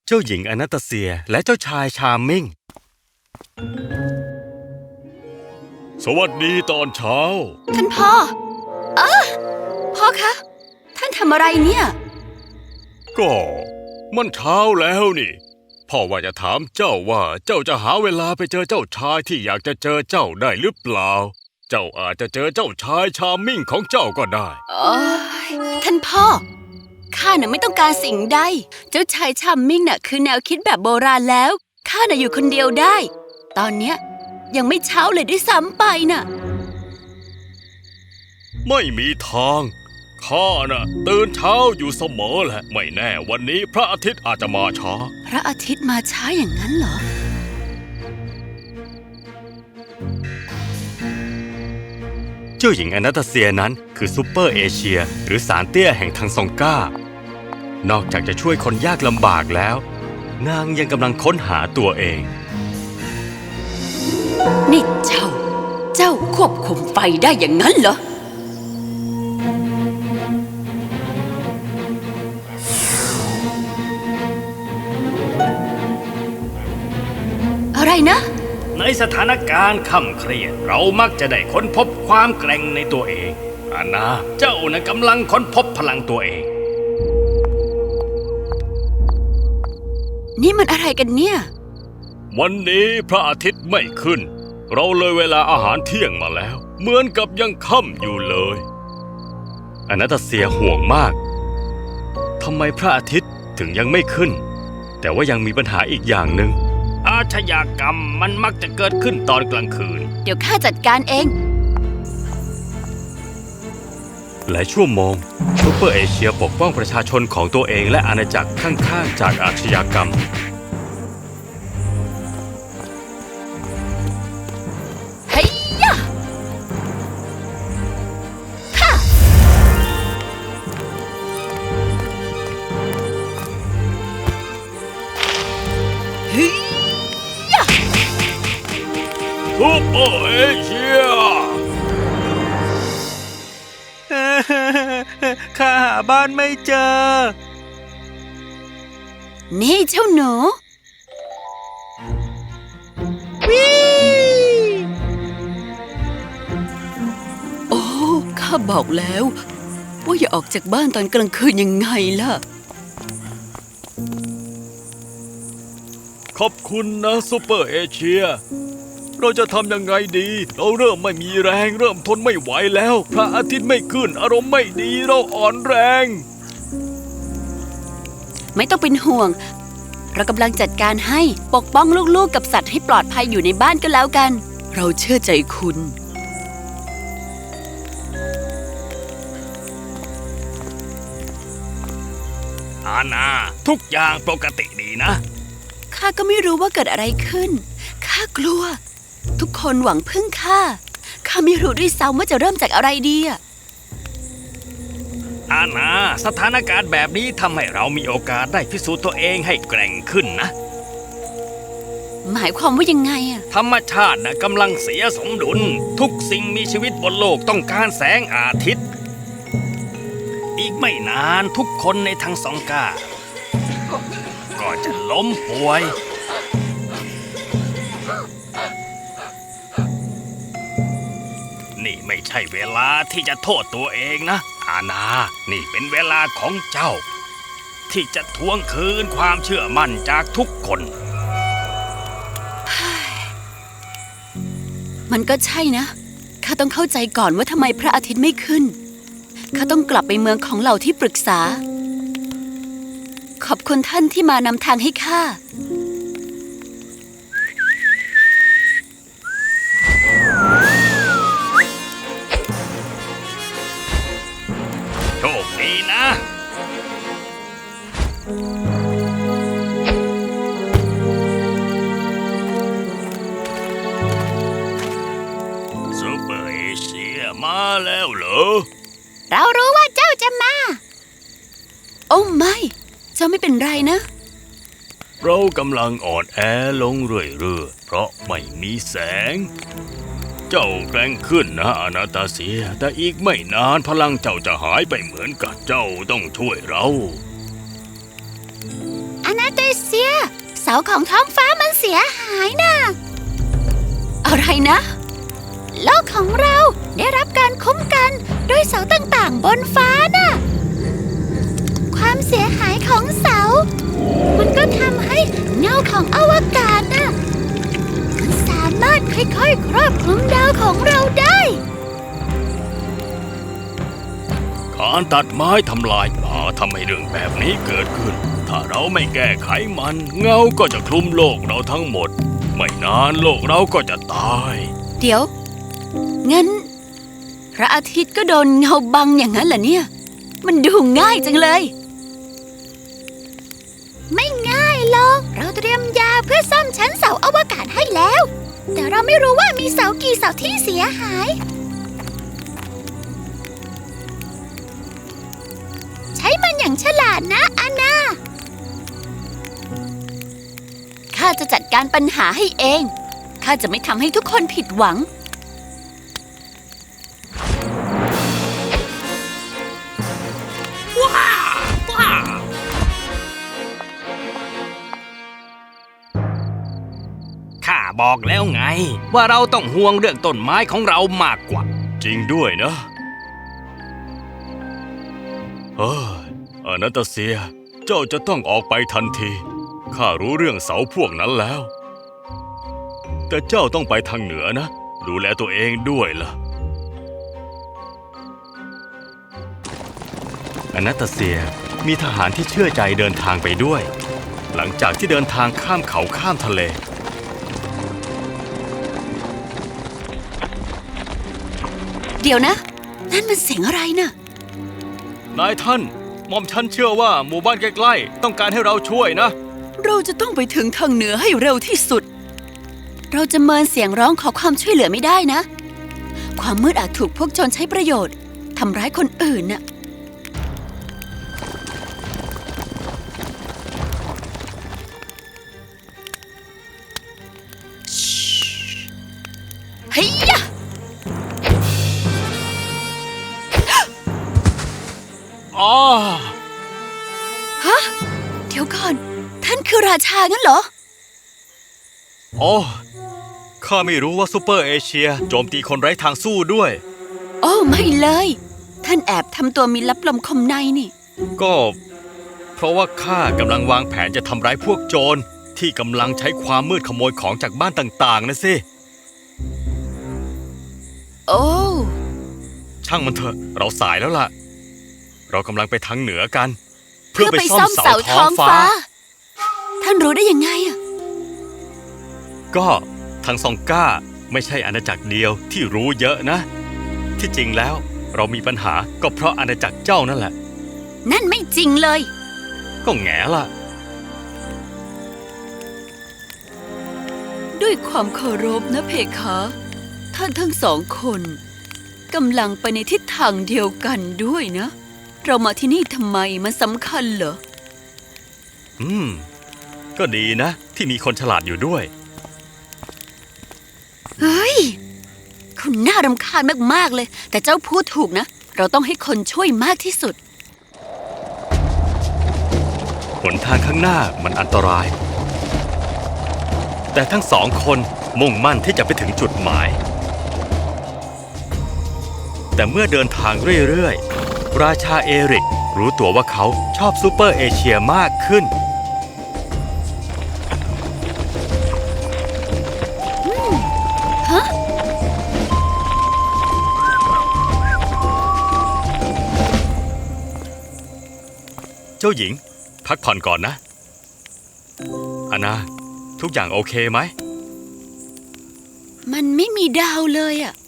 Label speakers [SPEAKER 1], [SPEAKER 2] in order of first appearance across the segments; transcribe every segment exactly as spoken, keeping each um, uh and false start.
[SPEAKER 1] เจ้าหญิงอนาตาเซียและเจ้าชายชาร์มมิงสวัสดีตอนเช้า
[SPEAKER 2] ท่านพ่อเออพ่อคะท่านทำอะไรเนี่ย
[SPEAKER 1] ก็มันเช้าแล้วนี่พ่อว่าจะถามเจ้าว่าเจ้าจะหาเวลาไปเจอเจ้าชายที่อยากจะเจอเจ้าได้หรือเปล่าเจ้าอาจจะเจอเจ้าชายชาร์มมิงของเจ้าก็ได้
[SPEAKER 2] โอ้ยท่านพ่อข้าน่ะไม่ต้องการสิ่งใดเจ้าชายชาร์มมิงน่ะคือแนวคิดแบบโบราณแล้วข้าน่ะอยู่คนเดียวได้ตอนเนี้ยยังไม่เช้าเลยด้วยซ้ำไปน่ะ
[SPEAKER 1] ไม่มีทางข้าน่ะตื่นเช้าอยู่เสมอแหละไม่แน่วันนี้พระอาทิตย์อาจจะมาช้า
[SPEAKER 2] พระอาทิตย์มาช้าอย่างนั้นเหรอ
[SPEAKER 1] เจ้าหญิงอนาตาเซียนั้นคือซูเปอร์เอเชียหรือสารเตี้ยแห่งทางซองก้านอกจากจะช่วยคนยากลำบากแล้วนางยังกำลังค้นหาตัวเอง
[SPEAKER 2] นี่เจ้าเจ้าควบคุมไฟได้อย่างนั้นเหรออะไรนะ
[SPEAKER 1] ในสถานการณ์ข่ำเครียดเรามักจะได้ค้นพบความแกร่งในตัวเองอานาเจ้าน่ะกำลังค้นพบพลังตัวเอง
[SPEAKER 2] นี่มันอะไรกันเนี่ย
[SPEAKER 1] วันนี้พระอาทิตย์ไม่ขึ้นเราเลยเวลาอาหารเที่ยงมาแล้วเหมือนกับยังค่ำอยู่เลยอนาตาเซียห่วงมากทำไมพระอาทิตย์ถึงยังไม่ขึ้นแต่ว่ายังมีปัญหาอีกอย่างหนึ่งอาชญากรรมมันมักจะเกิดขึ้นตอนกลางคืน
[SPEAKER 2] เดี๋ยวข้าจัดการเอง
[SPEAKER 1] หลายชั่วโมงซูเปอร์เอเชียปกป้องประชาชนของตัวเองและอาณาจักรข้างๆจากอาชญากรรม
[SPEAKER 2] เฮ้ยยะฮ่าเฮ้ย
[SPEAKER 1] ซูเปอร์เอเชียข้าหาบ้านไม่เจอ
[SPEAKER 2] นี่เจ้าหนู
[SPEAKER 1] วิ
[SPEAKER 2] โอ้ข้าบอกแล้วว่าอย่าออกจากบ้านตอนกลางคืนยังไงล่ะ
[SPEAKER 1] ขอบคุณนะซูเปอร์เอเชียเราจะทำยังไงดีเราเริ่มไม่มีแรงเริ่มทนไม่ไหวแล้วพระอาทิตย์ไม่ขึ้นอารมณ์ไม่ดีเราอ่อนแรง
[SPEAKER 2] ไม่ต้องเป็นห่วงเรากำลังจัดการให้ปกป้องลูกๆกับสัตว์ให้ปลอดภัยอยู่ในบ้านก็แล้วกันเราเชื่อใจคุณ
[SPEAKER 1] อาณาทุกอย่างปกติดีนะ
[SPEAKER 2] ข้าก็ไม่รู้ว่าเกิดอะไรขึ้นข้ากลัวทุกคนหวังพึ่งข้าข้าไม่รู้ด้วยซ้ำว่าจะเริ่มจากอะไรดีอะ
[SPEAKER 1] อาณาสถานการณ์แบบนี้ทำให้เรามีโอกาสได้พิสูจน์ตัวเองให้แกร่งขึ้นนะ
[SPEAKER 2] หมายความว่ายังไงอะ
[SPEAKER 1] ธรรมชาตินะกำลังเสียสมดุลทุกสิ่งมีชีวิตบนโลกต้องการแสงอาทิตย์อีกไม่นานทุกคนในทั้งสองกาก็จะล้มป่วยนี่ไม่ใช่เวลาที่จะโทษตัวเองนะอาณานี่เป็นเวลาของเจ้าที่จะทวงคืนความเชื่อมั่นจากทุกคน
[SPEAKER 2] มันก็ใช่นะข้าต้องเข้าใจก่อนว่าทำไมพระอาทิตย์ไม่ขึ้นข้าต้องกลับไปเมืองของเหล่าที่ปรึกษาขอบคุณท่านที่มานำทางให้ข้า
[SPEAKER 1] โชคดีนะซูเปอร์เอเชียมาแล้วเหรอ
[SPEAKER 2] เรารู้ว่าเจ้าจะมาโอ้ไม่เจ้าไม่เป็นไรนะ
[SPEAKER 1] เรากำลังอ่อนแอลงเรื่อยๆเพราะไม่มีแสง เจ้าแกร่งขึ้นนะอนาตาเซียแต่อีกไม่นานพลังเจ้าจะหายไปเหมือนกับเจ้าต้องช่วยเรา
[SPEAKER 2] อนาตาเซียซียเสาของท้องฟ้ามันเสียหายนะอะไรนะโลกของเราได้รับการคุ้มกันด้วยเสาต่างๆบนฟ้าน่ะความเสียหายของเสามันก็ทำให้เงาของอวกาศน่ะมันสามารถค่อยๆครอบคลุมดาวของเราได้
[SPEAKER 1] การตัดไม้ทำลายป่าทำให้เรื่องแบบนี้เกิดขึ้นถ้าเราไม่แก้ไขมันเงาก็จะคลุมโลกเราทั้งหมดไม่นานโลกเราก็จะตาย
[SPEAKER 2] เดี๋ยวงั้นพระอาทิตย์ก็โดนเงาบังอย่างนั้นเหรอเนี่ยมันดูง่ายจังเลยไม่ง่ายหรอกเราเตรียมยาเพื่อซ่อมชั้นเสาอวกาศให้แล้วแต่เราไม่รู้ว่ามีเสากี่เสาที่เสียหายใช้มันอย่างฉลาดนะอานาข้าจะจัดการปัญหาให้เองข้าจะไม่ทำให้ทุกคนผิดหวัง
[SPEAKER 1] ว้าว้าข้าบอกแล้วไงว่าเราต้องห่วงเรื่องต้นไม้ของเรามากกว่าจริงด้วยนะเฮ้ยอนาตาเซียเจ้าจะต้องออกไปทันทีข้ารู้เรื่องเสาพวกนั้นแล้วแต่เจ้าต้องไปทางเหนือนะดูแลตัวเองด้วยล่ะอนาตาเซียมีทหารที่เชื่อใจเดินทางไปด้วยหลังจากที่เดินทางข้ามเขาข้ามทะเล
[SPEAKER 2] เดี๋ยวนะนั่นมันเสียงอะไรน่ะ
[SPEAKER 1] นายท่านหม่อมฉันเชื่อว่าหมู่บ้านใกล้ๆต้องการให้เราช่วยนะ
[SPEAKER 2] เราจะต้องไปถึงทางเหนือให้เร็วที่สุดเราจะเมินเสียงร้องขอความช่วยเหลือไม่ได้นะความมืดอาจถูกพวกโจรใช้ประโยชน์ทำร้ายคนอื่นน่ะเฮ้ย
[SPEAKER 1] อ๋อ
[SPEAKER 2] ฮะเดี๋ยวก่อนท่านคือราชางั้นเหรอ
[SPEAKER 1] อ๋อข้าไม่รู้ว่าซูเปอร์เอเชียโจมตีคนไร้ทางสู้ด้วย
[SPEAKER 2] โอ้ไม่เลยท่านแอบทำตัวมีลับลมคมในนี่
[SPEAKER 1] ก็เพราะว่าข้ากำลังวางแผนจะทำร้ายพวกโจรที่กำลังใช้ความมืดขโมยของจากบ้านต่างๆนะสิ
[SPEAKER 2] โอ้
[SPEAKER 1] ช่างมันเถอะเราสายแล้วล่ะเรากำลังไปทางเหนือกัน
[SPEAKER 2] เพื่อไปซ่อมเสาท้องฟ้าท่านรู้ได้ยังไงอ่ะ
[SPEAKER 1] ก็ทางซองก้าไม่ใช่อาณาจักรเดียวที่รู้เยอะนะที่จริงแล้วเรามีปัญหาก็เพราะอาณาจักรเจ้านั่นแหละ
[SPEAKER 2] นั่นไม่จริงเลย
[SPEAKER 1] ก็แง่ล่ะ
[SPEAKER 2] ด้วยความเคารพนะเพคะท่านทั้งสองคนกำลังไปในทิศทางเดียวกันด้วยนะเรามาที่นี่ทำไมมันสำคัญเหรอ
[SPEAKER 1] อืมก็ดีนะที่มีคนฉลาดอยู่ด้วย
[SPEAKER 2] เฮ้ยคุณน่ารำคาญมากๆเลยแต่เจ้าพูดถูกนะเราต้องให้คนช่วยมากที่สุด
[SPEAKER 1] หนทางข้างหน้ามันอันตรายแต่ทั้งสองคนมุ่งมั่นที่จะไปถึงจุดหมายแต่เมื่อเดินทางเรื่อยๆราชาเอริกรู้ตัวว่าเขาชอบซูเปอร์เอเชียมากขึ้น
[SPEAKER 2] ฮะ
[SPEAKER 1] เจ้าหญิงพักผ่อนก่อนนะอานาทุกอย่างโอเคไหม
[SPEAKER 2] มันไม่มีดาวเลยอะ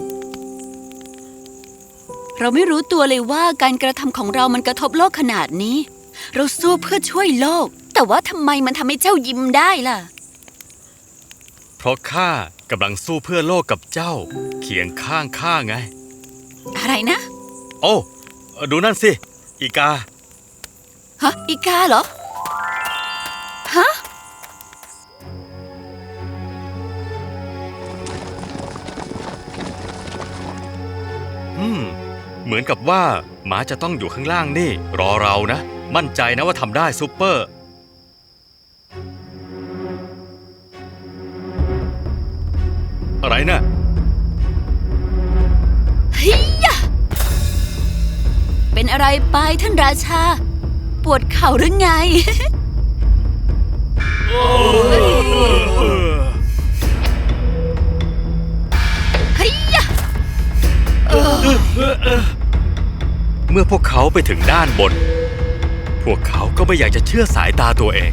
[SPEAKER 2] เราไม่รู้ตัวเลยว่าการกระทำของเรามันกระทบโลกขนาดนี้เราสู้เพื่อช่วยโลกแต่ว่าทำไมมันทำให้เจ้ายิ้มได้ล่ะ
[SPEAKER 1] เพราะข้ากำลังสู้เพื่อโลกกับเจ้าเคียงข้างข้าไง
[SPEAKER 2] อะไรนะ
[SPEAKER 1] โอ้ดูนั่นสิอีกา
[SPEAKER 2] ฮะอีกาเหรอฮะ
[SPEAKER 1] อืมเหมือนกับว่าหมาจะต้องอยู่ข้างล่างนี่รอเรานะมั่นใจนะว่าทำได้ซูเปอร์อะไรนะ่ะ
[SPEAKER 2] เฮียเป็นอะไรไปท่านราชา ปวดเข่าหรือไง เฮียเออ
[SPEAKER 1] เมื่อพวกเขาไปถึงด้านบน พวกเขาก็ไม่อยากจะเชื่อสายตาตัวเอง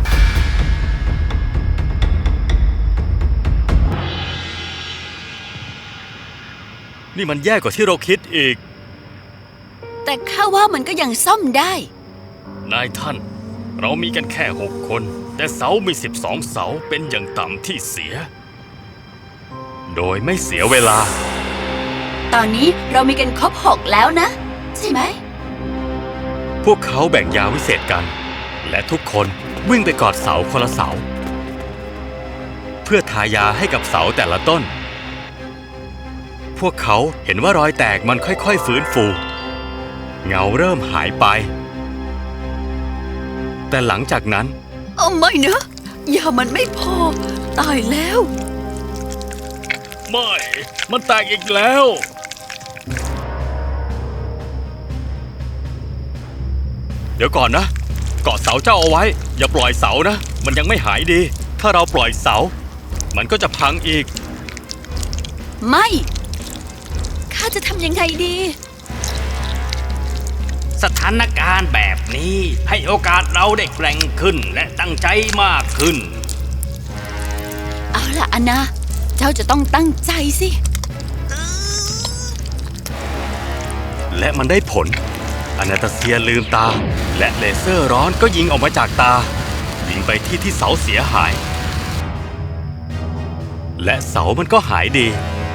[SPEAKER 1] นี่มันแย่กว่าที่เราคิดอีก
[SPEAKER 2] แต่ข้าว่ามันก็ยังซ่อมได้
[SPEAKER 1] นายท่าน เรามีกันแค่หกคน แต่เสามีสิบสองเสาเป็นอย่างต่ำที่เสีย โดยไม่เสียเวลา
[SPEAKER 2] ตอนนี้เรามีกันครบหกแล้วนะ ใช่ไหม
[SPEAKER 1] พวกเขาแบ่งยาวิเศษกัน และทุกคนวิ่งไปกอดเสาคนละเสา เพื่อทายาให้กับเสาแต่ละต้น พวกเขาเห็นว่ารอยแตกมันค่อยๆฟื้นฟู เงาเริ่มหายไป แต่หลังจากนั้น
[SPEAKER 2] เอาไม่นะยามันไม่พอ ตายแล้ว
[SPEAKER 1] ไม่ มันแตกอีกแล้ว เดี๋ยวก่อนนะเกาะเสาเจ้าเอาไว้ อย่าปล่อยเสานะ มันยังไม่หายดี ถ้าเราปล่อยเสา มันก็จะพังอีก
[SPEAKER 2] ไม่ ข้าจะทำยังไงดี
[SPEAKER 3] สถานการณ์แบบนี้ให้โอกาสเราได้แกร่งขึ้นและตั้งใจมากขึ้น
[SPEAKER 2] เอาล่ะอานา เจ้าจะต้องตั้งใจสิ
[SPEAKER 1] และมันได้ผล อนาตาเซียลืมตา และเลเซอร์ร้อนก็ยิงออกมาจากตา ยิงไปที่ที่เสาเสียหาย และเสามันก็หายดี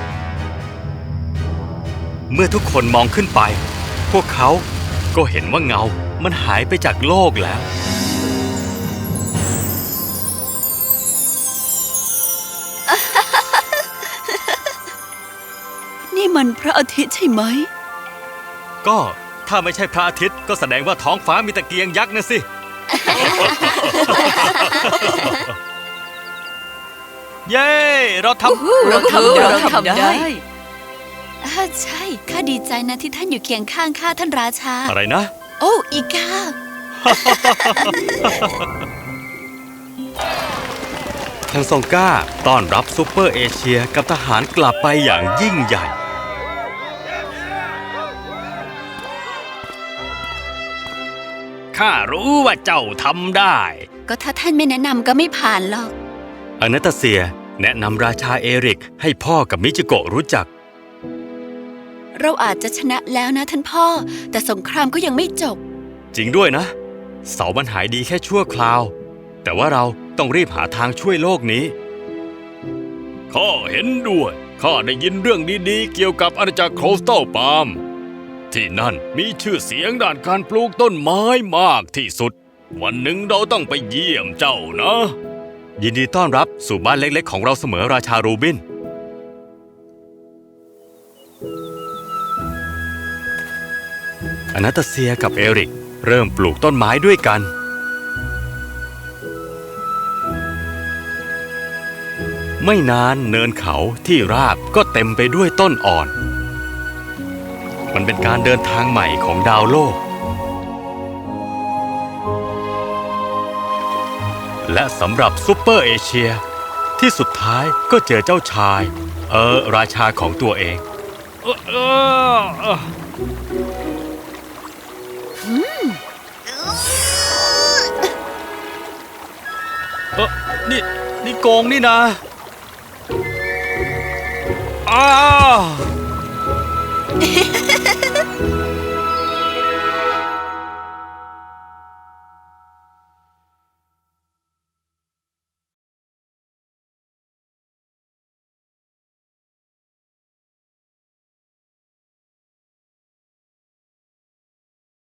[SPEAKER 1] เมื่อทุกคนมองขึ้นไป พวกเขาก็เห็นว่าเงา มันหายไปจากโลกแล้ว
[SPEAKER 2] นี่มันพระอาทิตย์ใช่ไหม
[SPEAKER 1] ก็ถ้าไม่ใช่พระอาทิตย์ก็แสดงว่าท้องฟ้ามีตะเกียงยักษ์นะสิ เย้ เราทำ
[SPEAKER 2] เราทำได้เราทำได้
[SPEAKER 4] ได้
[SPEAKER 2] อ่าใช่ ข้าดีใจนะที่ท่านอยู่เคียงข้างข้าท่านราชา
[SPEAKER 1] อะไรนะ
[SPEAKER 2] โอ้ อีกา
[SPEAKER 1] ทางซองก้าต้อนรับซูเปอร์เอเชียกับทหารกลับไปอย่างยิ่งใหญ่
[SPEAKER 3] ข้ารู้ว่าเจ้าทำได้
[SPEAKER 2] ก็ถ้าท่านไม่แนะนำก็ไม่ผ่านหรอก
[SPEAKER 1] อนาตาเซียแนะนำราชาเอริกให้พ่อกับมิจิโกะรู้จัก
[SPEAKER 2] เราอาจจะชนะแล้วนะท่านพ่อ แต่สงครามก็ยังไม่จบ
[SPEAKER 1] จริงด้วยนะ เสามันหายดีแค่ชั่วคราว แต่ว่าเราต้องรีบหาทางช่วยโลกนี้ ข้าเห็นด้วย ข้าได้ยินเรื่องดีๆ เกี่ยวกับอาณาจักรโครสตัลปาล์มที่นั่นมีชื่อเสียงด้านการปลูกต้นไม้มากที่สุด วันหนึ่งเราต้องไปเยี่ยมเจ้านะ ยินดีต้อนรับสู่บ้านเล็กๆ ของเราเสมอราชารูบิน อนาตาเซียกับเอริกเริ่มปลูกต้นไม้ด้วยกัน ไม่นานเนินเขาที่ราบก็เต็มไปด้วยต้นอ่อน มันเป็นการเดินทางใหม่ของดาวโลก และสำหรับซูเปอร์เอเชียที่สุดท้ายก็เจอเจ้าชาย เออ ราชาของตัวเอง เออเออเออเออนี่ นี่โกงนี่นะอ้าว